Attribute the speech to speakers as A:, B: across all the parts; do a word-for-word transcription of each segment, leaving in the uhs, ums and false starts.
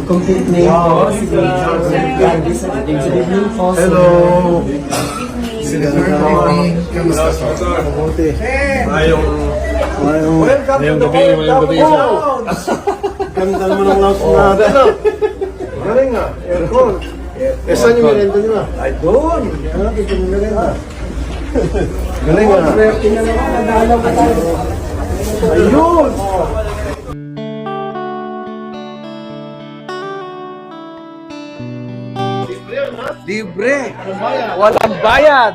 A: complete name po, si Gladys Ating. Good evening po.
B: Hello!
A: Good evening. Kamusta po?
B: Mabuti.
C: Ayong
B: Ayong...
C: Welcome to the World Cup of
B: Ganda naman ang lounge natin. Ano? Galing nga. Aircon. Eh, saan yung merenda nyo na? Ay, doon. Ano, dito yung merenda. Galing nga. Ayun!
D: Libre. Walang bayad.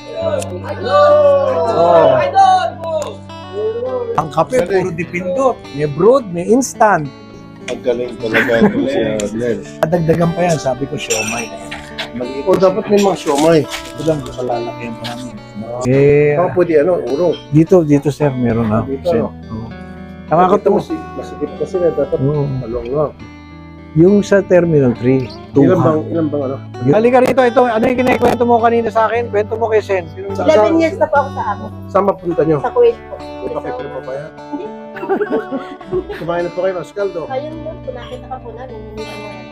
D: Oh. Ang kape, puro dipindot. May brewed, may instant.
B: Ang galing talaga ito si Adler.
D: Adagdagan pa yan, sabi ko, siomay.
B: O dapat may mga siomay.
D: Ito lang, kalalaki pa namin. Eh,
B: Baka pwede ano, urong.
D: dito, dito sir, meron na.
B: Dito,
D: Sir.
B: no?
D: Oo. Nakakatawa.
B: Mas, masikip kasi na dapat
D: Oo.
B: malong lang.
D: Yung sa Terminal three,
B: Ilan bang, ilan bang ano?
D: Halika rito, ito, ano yung kinikwento mo kanina sa akin? Kwento mo kay Sen.
B: Sa,
E: eleven years na po ako sa ako.
B: Saan mapunta nyo?
E: Sa Kuwait po.
B: May kape pa ba yan? Kumain na po kayo ng Scaldo.
E: Ayun lang, kung nakita ka po namin, hindi pa naman.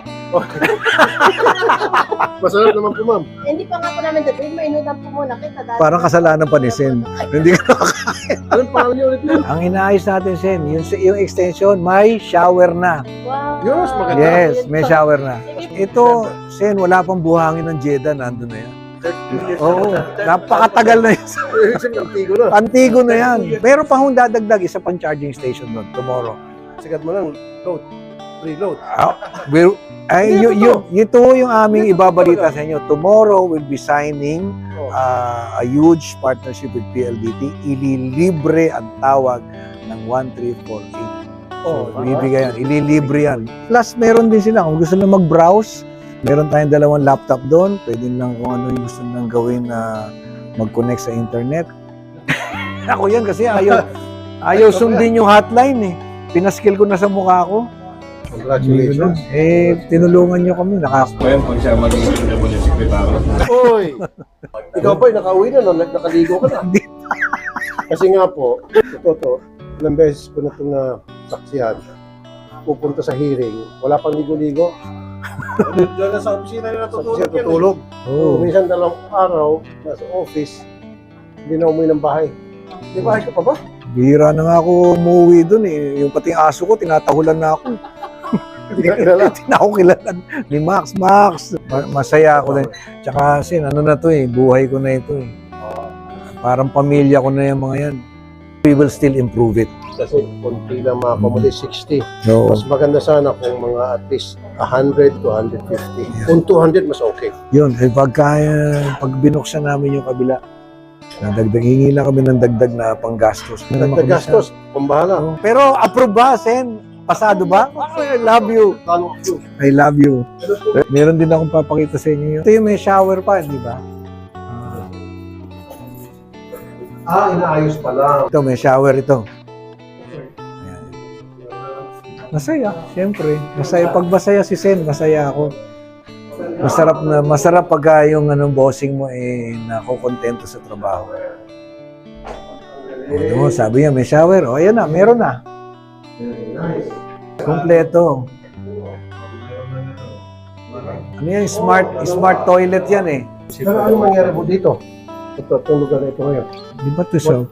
B: Masarap naman po, ma'am.
E: Eh, hindi pa nga po namin dati, mainutan po muna kita. dahil-
D: Parang kasalanan pa ni Sen. Hindi ka
B: Anong pangalan niyo ulit yun?
D: Ang inaayos natin, Sen, yung, yung extension, may shower na.
E: Wow.
B: Yun, mas maganda.
D: Yes, may shower na. Ito, Sen, wala pang buhangin ng Jeddah, nandun na yan. Oo, napakatagal na yan.
B: Antigo na.
D: Antigo na yan. Pero pa hong dadagdag, isa pang charging station doon tomorrow.
B: Sigat mo lang, load. Preload.
D: Ah, we're, ay, y- y- ito yung aming ibabalita sa inyo. Tomorrow we'll be signing uh, a huge partnership with P L D T. Ililibre ang tawag ng one three four eight. So,
B: Oh,
D: ibibigay yan. Ililibre yan. Plus, meron din sila. Kung gusto na mag-browse, meron tayong dalawang laptop doon. Pwede lang kung ano yung gusto nang gawin na mag-connect sa internet. Ako yan kasi ayaw, ayaw sundin yung hotline eh. Pinaskill ko na sa mukha ko.
B: Congratulations.
D: Eh, tinulungan nyo kami. Naka...
C: Ngayon, pag siya maging yung sekretary.
B: Oy! Ikaw ba, nakauwi na, no? Nakaligo ka na. Kasi nga po, ito to, ilang beses ko na itong nasaksihan, pupunta sa hearing, wala pang ligo-ligo. Doon na sa opisina na natutulog. Sa tutulog.
D: Oh.
B: Minsan dalawang araw, nasa office, hindi na umuwi ng bahay. Di bahay ka pa ba?
D: Bihira na nga ako umuwi dun eh. Yung pati aso ko, tinatahulan na ako.
B: Hindi ka kilala.
D: Hindi na ako kilala ni Max. Max! Ma- masaya ako din. Tsaka sin, ano na to eh, buhay ko na ito eh. Parang pamilya ko na yung mga yan. We will still improve it.
B: Kasi konti lang mga pamuli, sixty.
D: So,
B: Mas maganda sana kung mga at least one hundred to one fifty. Kung two hundred, mas okay.
D: yun, eh, pagka, pag binuksan namin yung kabila, nadagdag, hingi lang kami ng dagdag na panggastos.
B: Dagdag gastos, kung bahala.
D: Oh. Pero approve ba, Sen? Pasado ba? I love you.
B: Talo ko.
D: I love you. Meron din akong papakita sa inyo. Ito yung may shower pa, di ba? Ah,
B: Ah, inaayos pa lang.
D: ito, may shower ito. Ayan. Masaya, siyempre. Masaya. Pag masaya si Sen, masaya ako. Masarap na, masarap pag yung anong bossing mo eh nakokontento sa trabaho. O, sabi niya, may shower. O, ayan na, meron na. Kompleto. Ano yan? Smart, smart toilet yan eh.
B: Pero ano mangyari po dito? Ito, itong lugar na ito ngayon.
D: Di ba ito siya?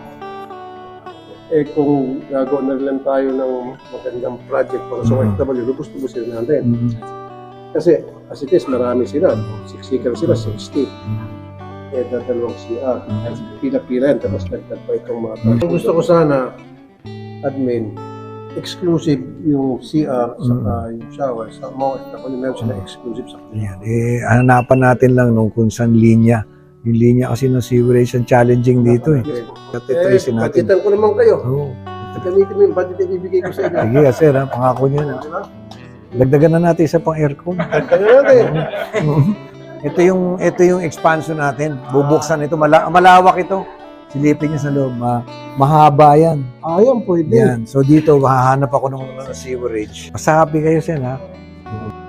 B: Eh kung gagawa na lang tayo ng magandang project para sa O F W, lubos-lubosin natin.
D: Mhm.
B: Kasi as it is, marami sila. Siksikan sila, sixty. Eh, dadalawang C R. Pila-pila yan, tapos nagtag pa itong mga project. Gusto ko sana, admin, exclusive yung C R sa yung shower sa mga O F W, meron sila exclusive sa kanila.
D: Ayan. Eh, hanapan natin lang nung kung saan linya. Yung linya kasi ng sewerage ang challenging dito eh. At
B: Eh,
D: itrasin natin.
B: budgetan ko naman kayo.
D: Oo.
B: Gamitin mo yung budget na ibibigay ko sa inyo.
D: Sige, sir, ha? Pangako niyo na.
B: Di ba?
D: Dagdagan na natin isa pang aircon.
B: Dagdagan natin.
D: ito yung ito yung expansion natin. Bubuksan ito. Mala- malawak ito. Silipin niyo sa loob. Ma- mahaba yan.
B: Ayan, pwede.
D: Yan. So dito, hahanap ako ng, ng sewerage. Basta happy kayo, sir, ha?